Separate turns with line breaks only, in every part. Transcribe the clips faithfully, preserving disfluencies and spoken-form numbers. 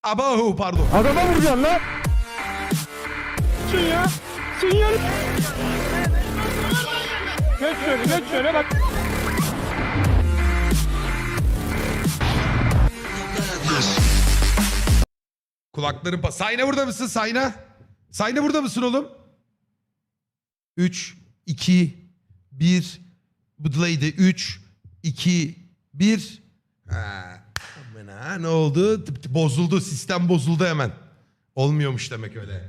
Abahu pardon.
Adama vuracaksın lan. Sinyal. Sinyal. Geç şöyle, geç şöyle bak.
Kulakların pa... Sayna burada mısın Sayna? Sayna burada mısın oğlum? üç, iki, bir. Budlaydı. üç, iki, bir. Ha. Aman ha, ne oldu? Tıp tıp bozuldu. Sistem bozuldu hemen. Olmuyormuş demek öyle.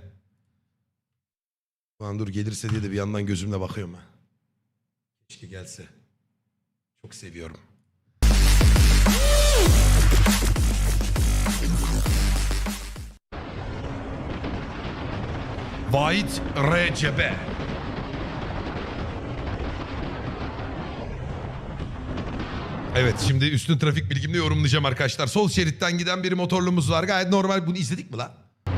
Lan dur gelirse diye de bir yandan gözümle bakıyorum ha. Keşke gelse. Çok seviyorum. Vahit Recebe. Evet şimdi üstün trafik bilgimle yorumlayacağım arkadaşlar. Sol şeritten giden bir motorlumuz var. Gayet normal. Bunu izledik mi lan?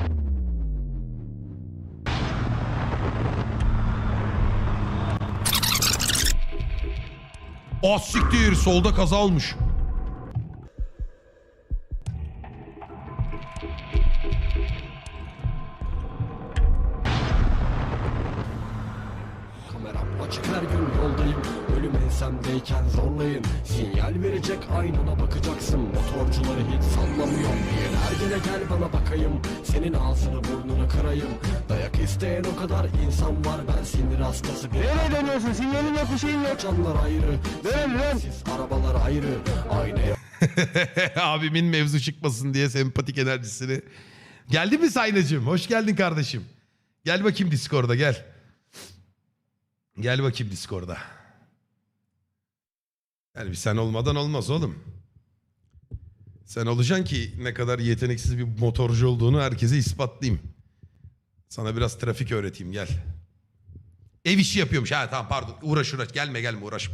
Ah siktir. Solda kaza olmuş.
Kameram açık her gün yoldayım. Ölüm ensemdeyken zorlayın. Sinyal verecek aynana bakacaksın. Motorcuları hiç sallamıyor. Bir ergene gel bana bakayım. Senin ağzını burnunu kırayım. Dayak isteyen o kadar insan var. Ben sinir hastası bir
Nereye dönüyorsun? Sinyalin yok, bir şeyin yok.
canlar ayrı.
Dön lan.
Siz arabalar ayrı. Aynaya
Abimin mevzu çıkmasın diye sempatik enerjisini. Geldi mi Saynacığım? Hoş geldin kardeşim. Gel bakayım Discord'a gel. Gel bakayım Discord'a. Yani bir sen olmadan olmaz oğlum. Sen olacaksın ki ne kadar yeteneksiz bir motorcu olduğunu herkese ispatlayayım. Sana biraz trafik öğreteyim gel. Ev işi yapıyormuş. Ha tamam pardon uğraş uğraş gelme gelme uğraşma.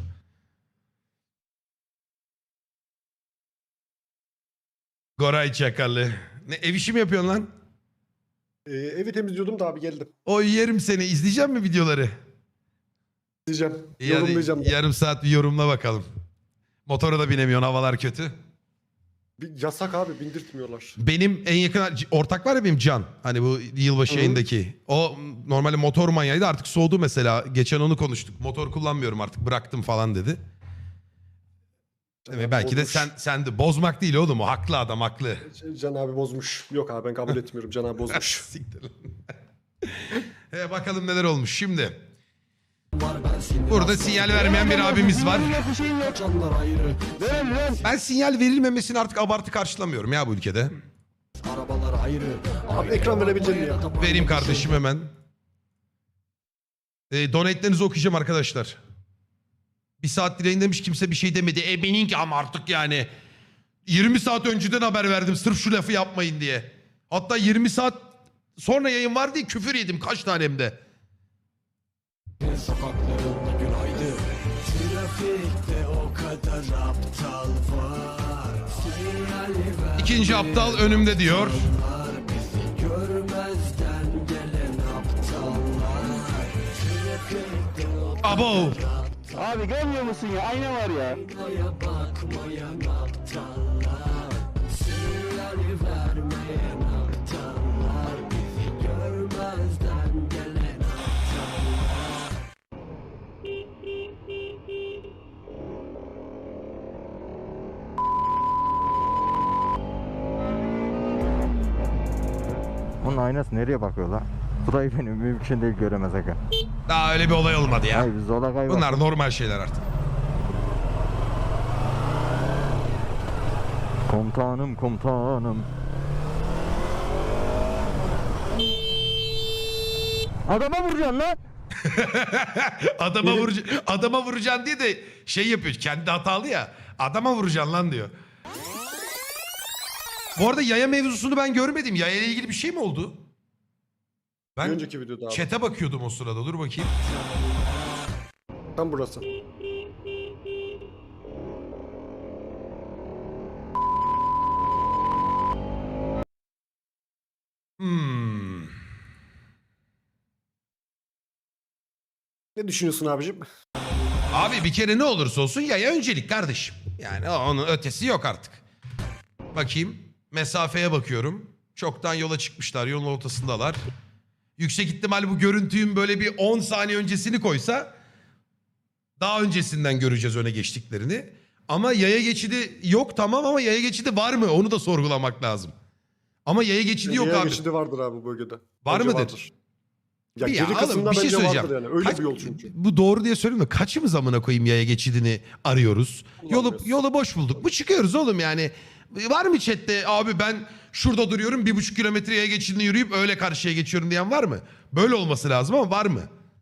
Goray Çakalı. Ne ev işi mi yapıyorsun lan?
Ee, evi temizliyordum da abi geldim.
O yerim seni. İzleyecek mi videoları?
Diyeceğim.
İyi, hadi
Yorumlayacağım. da.
yarım saat bir yorumla bakalım. Motora da binemiyorsun havalar kötü.
Bir yasak abi bindirtmiyorlar.
Benim en yakın ortak var ya benim Can. Hani bu yılbaşı
Hı hı.
yayındaki. O normalde motor manyağıydı artık soğudu mesela. Geçen onu konuştuk. Motor kullanmıyorum artık bıraktım falan dedi. Ve belki de
Bozmuş.
sen sen de bozmak değil oğlum o haklı adam haklı.
Can abi bozmuş. Yok abi ben kabul etmiyorum. Can abi bozmuş.
Siktir lan. He, bakalım neler olmuş şimdi.
var. Ben sinir
Burada
hastası
sinyal vermeyen bir abimiz var.
Sinyalin yok, bir şeyin yok.
canlar ayrı.
Dön lan.
Ben sinyal verilmemesini artık abartı karşılamıyorum ya bu ülkede.
Arabalar ayrı.
Abi ekran verebilecek miyim ya?
Vereyim kardeşim hemen. E, donate'lerinizi okuyacağım arkadaşlar. Bir saat dileğin demiş kimse bir şey demedi. E benimki ama artık yani. yirmi saat önceden haber verdim sırf şu lafı yapmayın diye. Hatta yirmi saat sonra yayın var diye küfür yedim kaç tanem de.
Sokaklarında günaydın. Trafikte o kadar aptal var. Sinyal ver.
İkinci aptal önümde diyor.
Bizi görmezden gelen aptallar. Trafikte o
Abo.
Abi görmüyor musun ya? Ayna var ya.
kadar bakmayan aptallar. Sinyal vermeyen aptallar. Bizi görmezden gelen aptallar.
Onun aynası nereye bakıyor lan? Burayı benim mümkün değil göremez aga.
Daha öyle bir olay olmadı ya.
Hayır biz zola kayboldik.
Bunlar normal şeyler artık.
Komutanım komutanım. Adama vuracaksın lan.
adama vurucu adama vuracaksın diye de şey yapıyor. Kendi hatalı ya. Adama vuracaksın lan diyor. Bu arada yaya mevzusunu ben görmedim. Yaya ile ilgili bir şey mi oldu?
Bir
Ben
önceki videoda abi.
chat'e bakıyordum o sırada. Dur bakayım.
Tam burası.
Hmm.
Ne düşünüyorsun abicim?
Abi bir kere ne olursa olsun yaya öncelik kardeşim. Yani onun ötesi yok artık. Bakayım. Mesafeye bakıyorum. Çoktan yola çıkmışlar. Yolun ortasındalar. Yüksek ihtimal bu görüntünün böyle bir on saniye öncesini koysa daha öncesinden göreceğiz öne geçtiklerini. Ama yaya geçidi yok tamam ama yaya geçidi var mı? Onu da sorgulamak lazım. Ama yaya geçidi yok
Yaya
abi.
geçidi vardır abi bu bölgede.
Var
Bence
mıdır?
vardır. Ya
Bir
geri
ya
kısımda
oğlum, bir şey
bence
söyleyeceğim.
vardır yani. Öyle
Kaç-
bir yol çünkü.
Bu doğru diye söyleyeyim de kaçımız amına koyayım yaya geçidini arıyoruz? Yolu,
Kullanmıyoruz.
yolu boş bulduk. Bu çıkıyoruz oğlum yani. Var mı chatte abi ben şurada duruyorum bir buçuk kilometre yaya geçidini yürüyüp öyle karşıya geçiyorum diyen var mı? Böyle olması lazım ama var mı?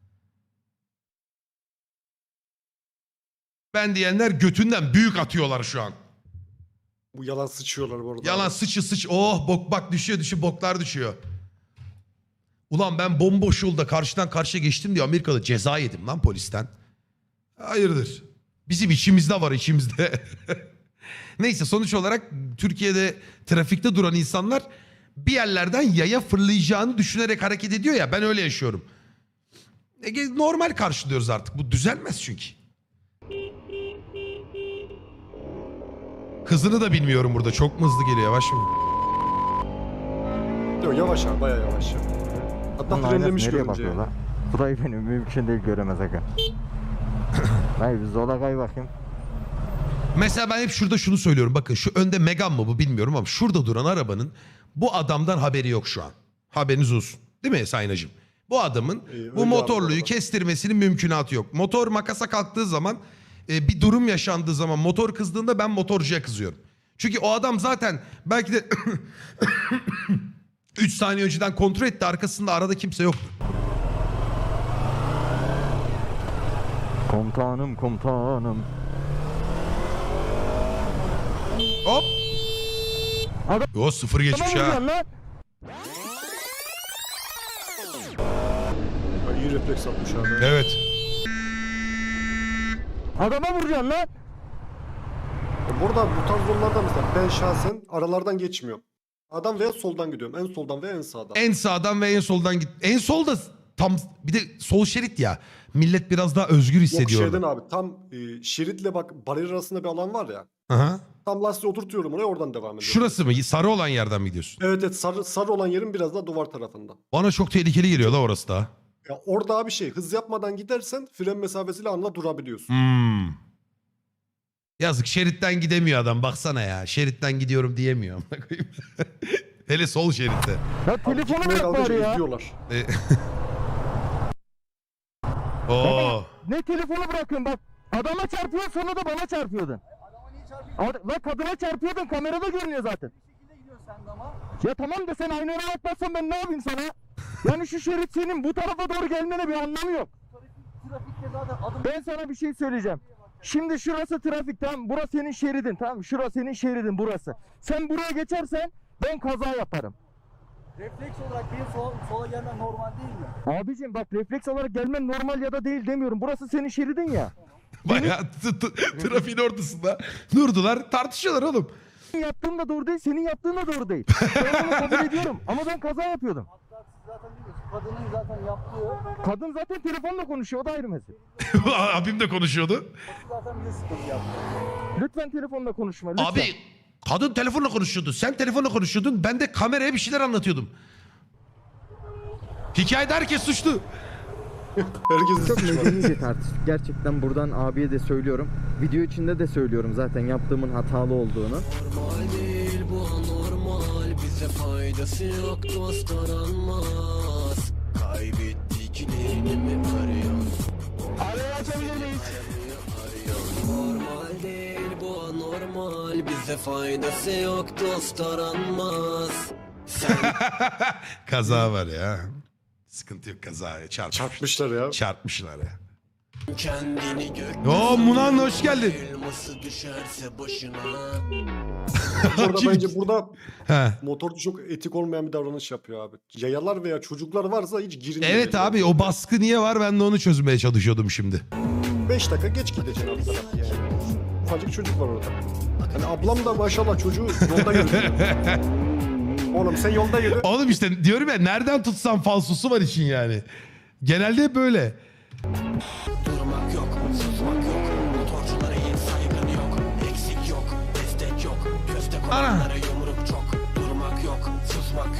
Ben diyenler götünden büyük atıyorlar şu an.
Bu yalan sıçıyorlar bu arada.
Yalan
abi.
sıçı sıç. Oh bok bak düşüyor düşüyor boklar düşüyor. Ulan ben bomboş yolda karşıdan karşıya geçtim diye Amerika'da ceza yedim lan polisten. Hayırdır? Bizim içimizde var içimizde. Neyse sonuç olarak Türkiye'de trafikte duran insanlar bir yerlerden yaya fırlayacağını düşünerek hareket ediyor ya ben öyle yaşıyorum. E, normal karşılıyoruz artık. Bu düzelmez çünkü. Hızını da bilmiyorum burada. Çok mu hızlı geliyor yavaş mı?
Yok yavaş abi bayağı yavaş. ya. Hatta
Bunun aynası
frenlemiş
nereye
görünce.
bakıyor la? Burayı benim mümkün değil göremez aga. Hayır biz zola kay bakayım.
Mesela ben hep şurada şunu söylüyorum. Bakın şu önde Megane mı bu bilmiyorum ama şurada duran arabanın bu adamdan haberi yok şu an. Haberiniz olsun. Değil mi Sayınacığım? Bu adamın
İyi, öyle
bu
abi
motorluyu
bu arada.
kestirmesinin mümkünatı yok. Motor makasa kalktığı zaman e, bir durum yaşandığı zaman motor kızdığında ben motorcuya kızıyorum. Çünkü o adam zaten belki de üç saniye önceden kontrol etti arkasında arada kimse yoktu.
Komutanım komutanım.
Hop.
Adam-
O sıfır geçmiş
Tamam
ha.
lan lan.
Ay, İyi refleks atmış abi.
Evet.
Adama vuracaksın lan.
Ya Burada bu tarz yollarda mesela ben şahsen aralardan geçmiyorum. Adam veya soldan gidiyorum. En soldan veya en sağdan.
En sağdan ve en soldan git. En solda tam bir de sol şerit ya. Millet biraz daha özgür
Yok
hissediyor
şeyden
orada.
abi tam e, şeritle bak bariyer arasında bir alan var ya.
Aha.
Tam lastiği oturtuyorum oraya oradan devam ediyorum.
Şurası mı? Sarı olan yerden mi gidiyorsun?
Evet evet sarı, sarı olan yerin biraz daha duvar tarafında.
Bana çok tehlikeli geliyor la orası da.
Ya orada abi şey hız yapmadan gidersen fren mesafesiyle anla durabiliyorsun.
Hmm. Yazık şeritten gidemiyor adam baksana ya. Şeritten gidiyorum diyemiyor. Hele sol şeritte.
Ya
Abi
telefonu
gitmeye
bırak
kalkınca
bari ya.
izliyorlar.
E- Oo.
Ne telefonu bırakın bak. Adama çarpıyor sonra da bana çarpıyordun. Ad- Lan kadına çarpıyordun kamerada görünüyor zaten. Ya tamam da sen aynaya atmazsan ben ne yapayım sana? Yani şu şerit senin bu tarafa doğru gelmene bir anlamı yok. Ben sana bir şey söyleyeceğim. Şimdi şurası trafik tamam burası senin şeridin tamam mı? Şurası senin şeridin burası. Sen buraya geçersen ben kaza yaparım.
Refleks olarak benim sola, sola gelmem normal değil mi?
Abicim bak refleks olarak gelmen normal ya da değil demiyorum. Burası senin şeridin ya.
Bayağı t- t- trafiğin ortasında durdular tartışıyorlar oğlum.
Senin yaptığın da doğru değil, senin yaptığın da doğru değil. Ben onu kabul ediyorum ama ben kaza yapıyordum.
Hatta siz zaten biliyorsunuz. Kadının zaten yaptığı,
Kadın zaten telefonla konuşuyor, o da ayrı mesele.
Abim de konuşuyordu.
zaten bize sıkıntı yaptı.
Lütfen telefonla konuşma, lütfen.
Abi kadın telefonla konuşuyordu. Sen telefonla konuşuyordun. Ben de kameraya bir şeyler anlatıyordum. Hikayede herkes suçlu.
Herkes
Çok
suçlu.
medenice tartıştık. Gerçekten buradan abiye de söylüyorum. Video içinde de söylüyorum zaten yaptığımın hatalı olduğunu.
Normal değil bu anormal. Bize faydası yok dost aranmaz. Kaybettiklerini mi arıyorsun?
Arayı açabilir miyiz?
Normal değil bu anormal. Bize faydası yok dost aranmaz. Sen
Kaza var ya. Sıkıntı yok kazaya çarpmış.
Çarpmışlar ya.
Çarpmışlar ya.
kendini gök.
Oo Munan hoş geldin.
Elması düşerse başına.
Orada bence burada
He.
motorcu çok etik olmayan bir davranış yapıyor abi. Yayalar veya çocuklar varsa hiç girin.
Evet abi o baskı niye var ben de onu çözmeye çalışıyordum şimdi.
beş dakika geç gideceksin abi tarafı yani. Ufacık çocuk var orada. Hani ablam da maşallah çocuğu yolda yürüyor. Oğlum sen yolda yürü.
Oğlum işte diyorum ya nereden tutsam falsosu var için yani. Genelde hep böyle.
Durmak yok, susmak yok. Motorculara hiç saygın yok. Eksik yok, destek yok. Köste koyanlara yumruk çok. Durmak yok, susmak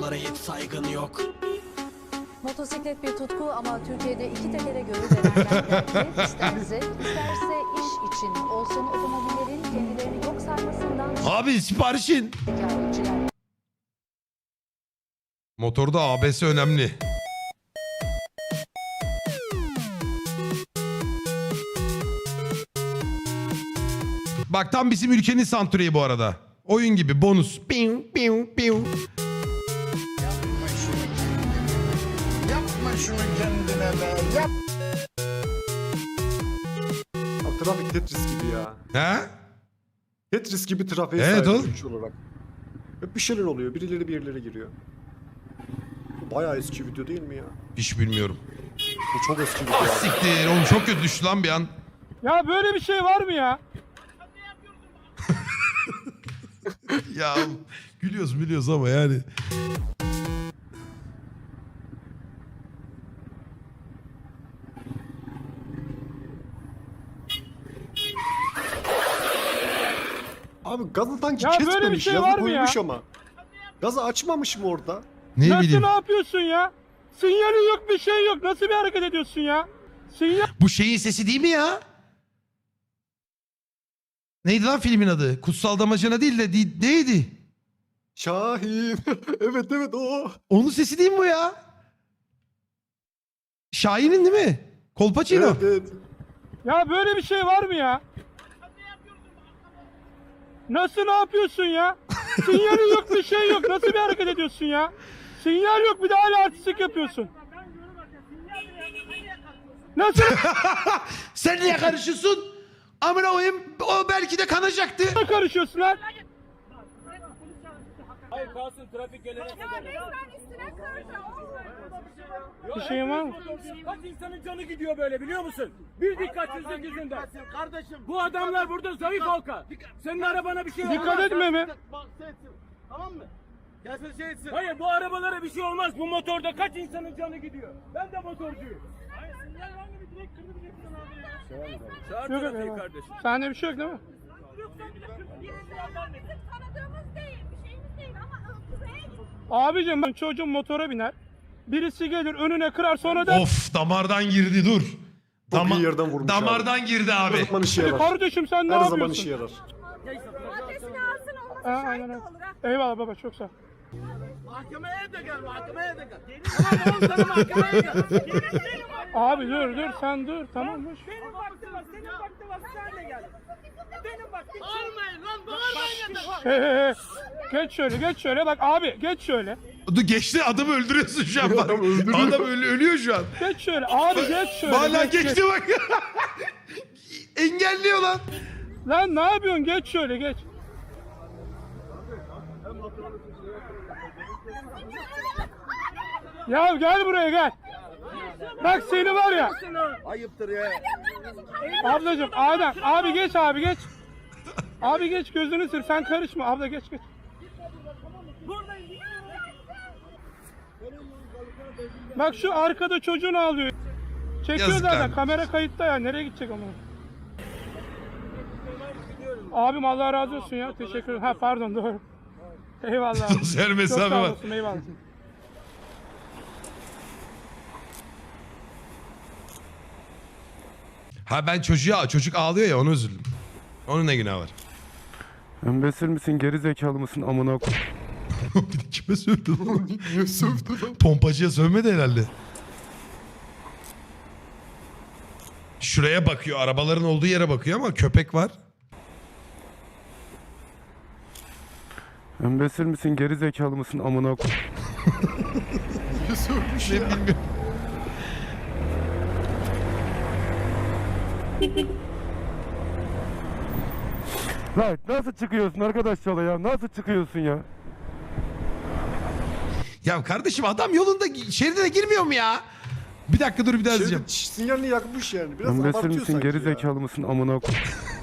motorculara hiç saygın yok.
Motosiklet bir tutku ama Türkiye'de iki tekere görülenlerden zevk ister zevk, isterse iş için olsun otomobillerin kendilerini yok saymasından
Abi siparişin.
şikayetçiler.
Motorda A B S önemli. Bak tam bizim ülkenin soundtrack'i bu arada. Oyun gibi bonus. Piu, piu, piu.
Abi trafik Tetris gibi ya.
He?
Tetris gibi trafiğe
Evet
sahip
oğlum.
güç olarak. Hep bir şeyler oluyor. Birileri bir yerlere giriyor. Bu bayağı eski video değil mi ya?
Hiç bilmiyorum.
Bu çok eski video
Ah
abi.
siktir. Oğlum çok kötü düştü lan bir an.
Ya böyle bir şey var mı ya?
Ya gülüyoruz biliyoruz ama yani.
Abi gazı sanki
Ya böyle bir
kesmemiş.
şey
Yazı
var mı ya?
koymuş ama. Gazı açmamış mı orada?
Ne
Nasıl
bileyim.
ne yapıyorsun ya? Sinyali yok bir şey yok. Nasıl bir hareket ediyorsun ya? Sinyal
Bu şeyin sesi değil mi ya? Neydi lan filmin adı? Kutsal Damacana değil de di- neydi?
Şahin. evet evet o.
Onun sesi değil mi bu ya? Şahin'in değil mi? Kolpaçino.
Evet evet.
Ya böyle bir şey var mı ya? Nasıl ne yapıyorsun ya? Sinyali yok bir şey yok. Nasıl bir hareket ediyorsun ya? Sinyal yok bir de hala artistik yapıyorsun. Nasıl
Sen niye karışıyorsun? Amına koyayım o belki de kanacaktı.
karışıyorsun lan?
Hayır kalsın trafik gelene kadar.
Bir şeyin var mı?
Kaç insanın canı gidiyor böyle biliyor musun? Bir dikkatsizlik yüzünden. Kardeşim. Bu adamlar burada zayıf halka. Senin arabana bir şey olmaz.
Dikkat etme mi?
Tamam mı? Gelsin şey etsin. Hayır bu arabalara bir şey olmaz. Bu motorda kaç insanın canı gidiyor. Ben de motorcuyum. Hayır sinyal var mı? Bir direkt kırdı bileceksin abi ya. Çağır
Yok
trafiği
yok.
kardeşim.
Sende bir şey yok değil mi?
Bizim tanıdığımız değil, bir şeyimiz değil ama buraya git.
Abicim ben çocuğum motora biner. Birisi gelir önüne kırar sonra da
Of damardan girdi dur.
Çok iyi yerden vurmuş
Damardan girdi
Her
abi.
zaman işe yarar.
kardeşim sen ne
Her
yapıyorsun?
zaman işe yarar.
Adresini alsın olmasa
Ha,
şahit
aynen
de
öyle.
olur ha.
Eyvallah baba çok sağ ol.
Mahkemeye de gel, mahkemeye de gel. Tamam oğlum sana mahkemeye gel.
Abi dur dur sen dur tamam boş.
Benim vaktim var, senin vaktin var, sen de gel. Benim vaktim. Bağırmayın lan, bağırmayın ya.
He he he. Geç şöyle geç şöyle bak abi geç şöyle.
Dur geçti adamı öldürüyorsun şu an bak.
Adam öldürüyor.
Adam öl- ölüyor şu an.
Geç şöyle abi geç şöyle.
Hala
geç, geç.
geçti bak. Engelliyor lan.
Lan ne yapıyorsun geç şöyle geç. Ya gel buraya gel. Bak seni var ya.
Ayıptır ya.
Ablacım Adem abi geç abi geç. Abi geç gözünü sır sen karışma abla geç geç. Bak şu arkada çocuğun ağlıyor. Çekiyor
Yazıklar.
zaten kamera kayıtta ya nereye gidecek ama. Abim Allah razı olsun ya teşekkür ederim. Ha pardon doğru. Eyvallah.
Sosyal
Çok
mesafe
sağ
var.
olasın eyvallah.
Ha ben çocuğa çocuk ağlıyor ya onu üzüldüm. Onun ne günahı var?
Embesil misin geri zekalı mısın amına koy.
Bir de kime sövdü lan?
Niye sövdü lan?
Pompacıya sövmedi herhalde. Şuraya bakıyor. Arabaların olduğu yere bakıyor ama köpek var.
Embesil misin geri zekalı mısın amına koy.
Niye sövmüş
Ne
ya?
bilmiyorum.
Lan nasıl çıkıyorsun arkadaş yola ya nasıl çıkıyorsun ya.
Ya kardeşim adam yolunda şeridine girmiyor mu ya? Bir dakika dur bir daha
Şey,
izleyeceğim.
sinyalini yakmış yani. Biraz
Embesil
abartıyor
misin
sanki
geri
ya.
zekalı mısın amına koy.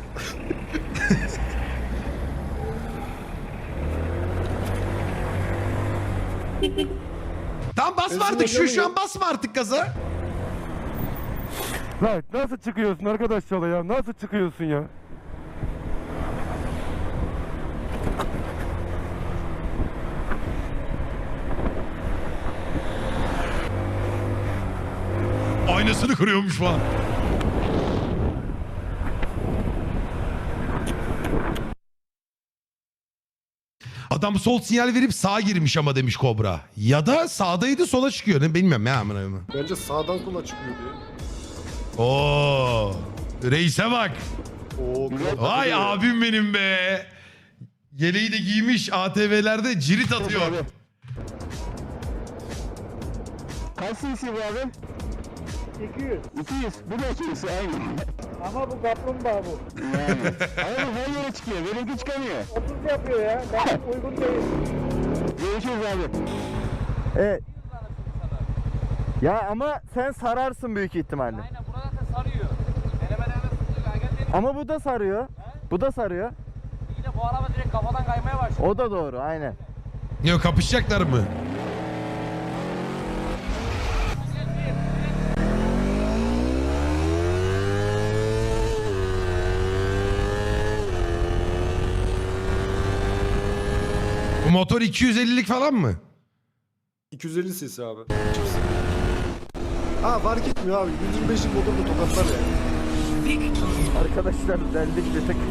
Tamam basma artık şu şu an basma artık gaza.
Lan nasıl çıkıyorsun arkadaş yola ya nasıl çıkıyorsun ya.
Aynasını kırıyormuş falan. Adam sol sinyal verip sağa girmiş ama demiş Kobra. Ya da sağdaydı sola çıkıyor. Ne bilmiyorum ya. amına koyayım.
Bence sağdan sola çıkıyor diye.
Oo. Reise bak.
Oo,
Vay abim benim be. Yeleği de giymiş A T V'lerde cirit atıyor.
Kaç cc bu abi? iki yüz. iki yüz. Bu da iki yüz aynı.
Ama bu kaplumbağa bu.
Yani. Ama bu her yere çıkıyor. Benimki çıkamıyor.
otuz yapıyor ya. Ben uygun değil.
Görüşürüz abi. Evet. Ya ama sen sararsın büyük ihtimalle.
Aynen burada da sarıyor. Deneme deneme sıkıyor. Gel dedim.
Ama bu da sarıyor. Bu da sarıyor.
Yine bu araba direkt kafadan kaymaya başladı.
O da doğru aynen.
Yok kapışacaklar mı? Bu motor iki yüz ellilik falan mı?
iki yüz elli cc abi. Çift. Ha fark etmiyor abi. yüz yirmi beşlik motor da tokatlar ya.
Arkadaşlar deldik bir tık.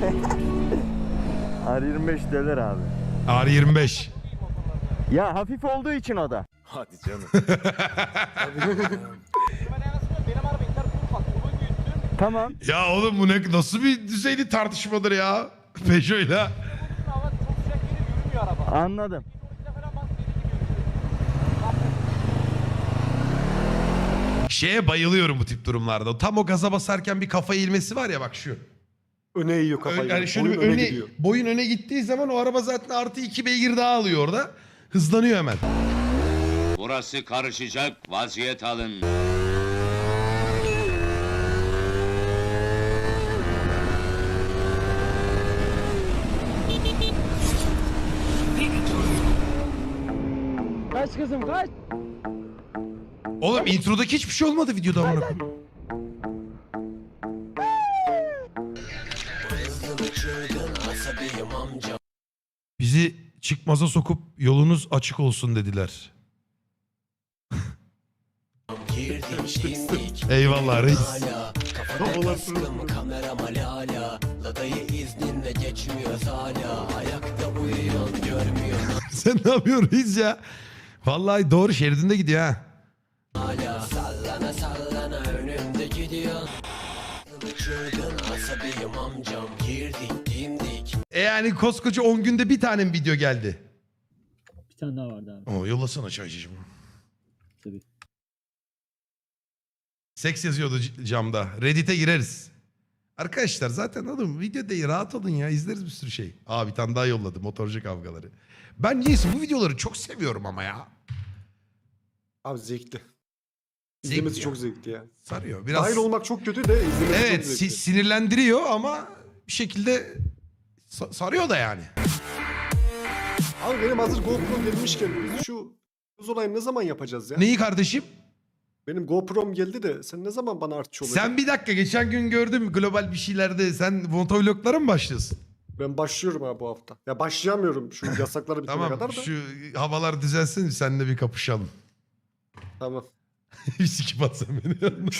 R yirmi beş deler abi.
R yirmi beş.
Ya hafif olduğu için o da.
Hadi canım.
Benim araba inter bak. Bunu büyüttüm.
Tamam.
Ya oğlum bu ne, nasıl bir düzeyli tartışmadır ya? Peugeot'la.
Hava çok sıcak geliyor yürümüyor araba.
Anladım.
Falan bas deli gibi.
Şeye bayılıyorum bu tip durumlarda. Tam o gaza basarken bir kafa eğilmesi var ya bak şu.
Öne yiyor kafayı.
Yani şöyle bir
Boyun
öne,
gidiyor.
boyun öne gittiği zaman o araba zaten artı iki beygir daha alıyor orada. Hızlanıyor hemen.
Burası karışacak, vaziyet alın.
Kaç kızım kaç.
Oğlum introdaki hiçbir şey olmadı videoda amına koyayım. Bizi çıkmaza sokup yolunuz açık olsun dediler. Eyvallah reis. Sen ne yapıyorsun reis ya? Vallahi doğru şeridinde gidiyor ha.
Sallana sallana önümde gidiyor. Çılgın asabiyim amcam. Girdik dimdik.
E yani koskoca on günde bir tane mi video geldi?
Bir tane daha vardı abi.
Oo, yollasana çaycıcım.
Tabii.
Seks yazıyordu c- camda. Reddit'e gireriz. Arkadaşlar zaten oğlum video değil rahat olun ya izleriz bir sürü şey. Aa bir tane daha yolladı motorcu kavgaları. Ben niyeyse bu videoları çok seviyorum ama ya.
Abi zevkli.
Zevkli
İzlemesi
ya.
çok zevkli ya.
Sarıyor. Biraz
Dahil olmak çok kötü de izlemesi
evet
çok
si-
zevkli.
sinirlendiriyor ama bir şekilde sa- sarıyor da yani.
Abi benim hazır GoPro gelmişken biz şu hız olayını ne zaman yapacağız ya?
Neyi kardeşim?
Benim GoPro'm geldi de sen ne zaman bana artçı olacaksın?
Sen bir dakika geçen gün gördüm global bir şeylerde sen motovloglara mı başlıyorsun?
Ben başlıyorum abi bu hafta. Ya başlayamıyorum şu yasakları bitene
Tamam
kadar da.
şu havalar düzelsin seninle bir kapışalım.
Tamam.
Bir sikip atsan beni.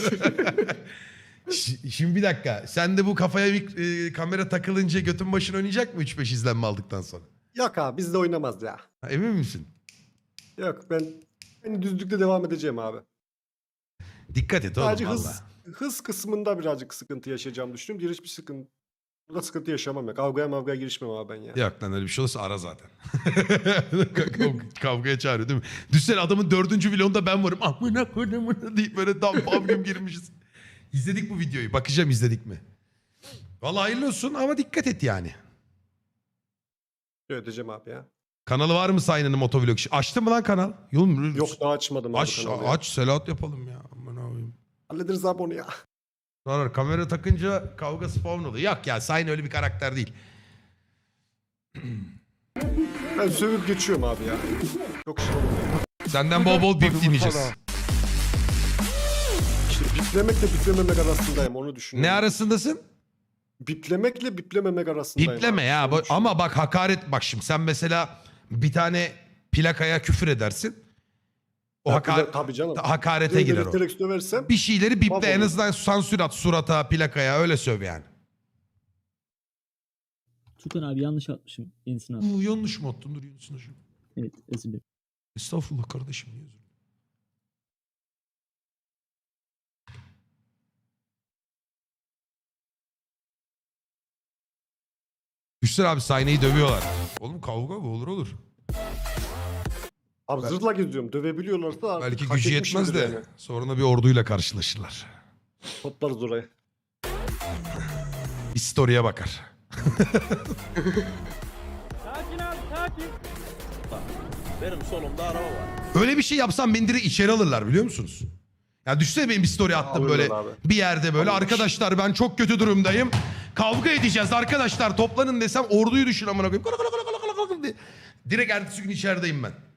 Ş- Şimdi bir dakika. Sen de bu kafaya bir e, kamera takılınca götün başın oynayacak mı üç beş izlenme aldıktan sonra?
Yok abi bizde oynamaz ya.
Ha, emin misin?
Yok ben, ben düzlükte devam edeceğim abi.
Dikkat et oğlum
Sadece
valla.
hız, hız kısmında birazcık sıkıntı yaşayacağımı düşünüyorum. Diğer hiçbir sıkıntı. Burada sıkıntı yaşamam ya. Kavgaya mavgaya girişmem abi ben ya.
Yok lan öyle bir şey olursa ara zaten. Kav- Kavgaya çağırıyor değil mi? Düşsene adamın dördüncü vlogunda ben varım. Amına koyayım deyip böyle dam bam güm girmişiz. İzledik bu videoyu. Bakacağım izledik mi? Vallahi hayırlı olsun ama dikkat et yani.
Ödeyeceğim abi ya.
Kanalı var mı Sayın'ın motovlog? Açtın mı lan kanal? Yolum,
Yok daha açmadım abi
aç,
kanalı ya.
aç Selahat yapalım ya. Aman abim.
Hallederiz abi onu ya.
Sonra kamera takınca kavga spawn oluyor. Yok ya Sayın öyle bir karakter değil.
Ben sövüp geçiyorum abi ya. Çok şey olmuyor.
Senden bol bol bip dinleyeceğiz.
İşte biplemekle biplememek arasındayım onu düşünüyorum.
Ne arasındasın?
Biplemekle biplememek arasındayım.
Bipleme
abi.
ya.
Onu
Bu-
düşünüyorum.
Ama bak hakaret bak şimdi sen mesela bir tane plakaya küfür edersin. O haka-
Tabii, tabii canım.
hakarete girer o.
Direkt döversem
Bir şeyleri biple, en
Mahvolur.
azından sansür at surata, plakaya, öyle söv yani.
Tukan abi yanlış atmışım. Yenisini at.
Uu, yanlış mı attın? Dur yenisini şu.
Evet özür dilerim.
Estağfurullah kardeşim. niye özür dilerim? Düşsene abi, sahneyi dövüyorlar. Oğlum kavga mı olur olur.
abi zırhla geziyorum. Dövebiliyorlarsa da
Belki
hak
gücü yetmez de
etmişimdir yani.
sonra bir orduyla karşılaşırlar.
Toplarız oraya.
Bir story'e bakar.
Sakin abi sakin.
Benim solumda araba var.
Öyle bir şey yapsam beni direkt içeri alırlar, biliyor musunuz? Ya düşünsene, benim bir story attım
Alırlar
böyle
abi.
bir yerde böyle, arkadaşlar ben çok kötü durumdayım. Kavga edeceğiz arkadaşlar, toplanın desem orduyu düşün amına koyayım. Kala kala kala kala kala kala diye. Direkt ertesi gün içerideyim ben.